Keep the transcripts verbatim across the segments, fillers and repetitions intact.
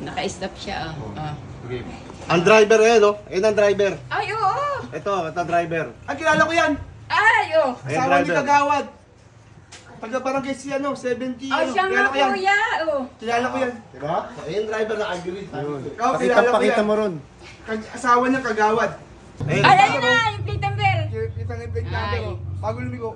Naka-stop siya, oh. oh. Okay. Ang driver eh, no? Ayun ang driver. Ay, oo! Ito, ito driver. Ay, kilala ko yan. Ay, oh! Ayan, Asawa ni driver. Kagawad. Taga barangay si ano, seventy. Oh, ano. siya nga, Kilala ko yan. kuya, oh. Kilala ko yan. Diba? Ayun driver na agree. Ikaw, Pakita, kilala ko pakita yan. mo ron. Kag- asawa niya Kagawad. Ayun. Ay, ayun na, yung plate number. Kita na yung plate number Ay. ko. Bago lumigo.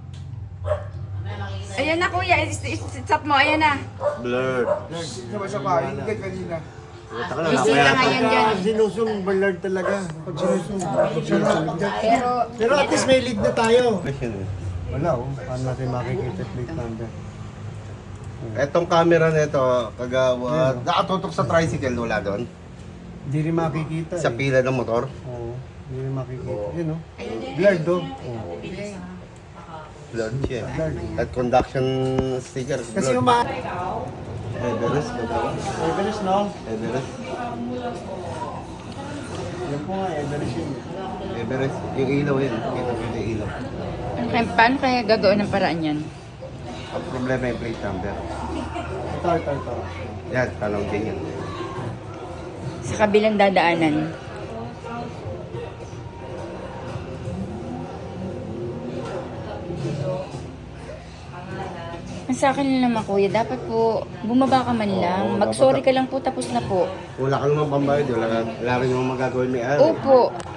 Ayan na, kuya. Is- is- Stop mo, ayan na. Blurred. Sabay-sabay pa, hindi kanina. Puta ka na, Busy nakaya. ka ngayon dyan. Pag sinusong, ballard talaga. Pag sinusong, pag sinusong. Pero, Pero at least may lead na tayo. Question eh. Wala oh, paano natin makikita plate number? Etong camera nito, kagawad. Nakatutok sa tricycle, wala doon. Hindi rin makikita Sa eh. pila ng motor. Oo, hindi rin makikita. Yun oh. Blurred oh. Oo. Blurred siya. Blurred. At conduction sticker. Kasi blurred. uma... Everest, kagawad. Everest no? Everest. Yan po nga, Everest yun. Everest. Yung ilaw yun. Kita ko yung ilaw. ano kaya, paano kaya gagawin ng paraan yan? Ang problema yung plate number. Ito, ito, ito. Yan, tanong din yan. Sa kabilang dadaanan. Ang sa akin lang naman, kuya, dapat po bumaba ka man lang. Oo, Mag-sorry dapat- ka lang po, tapos na po. Wala ka naman pambayad. Wala, wala rin naman magagawin may ari. Opo.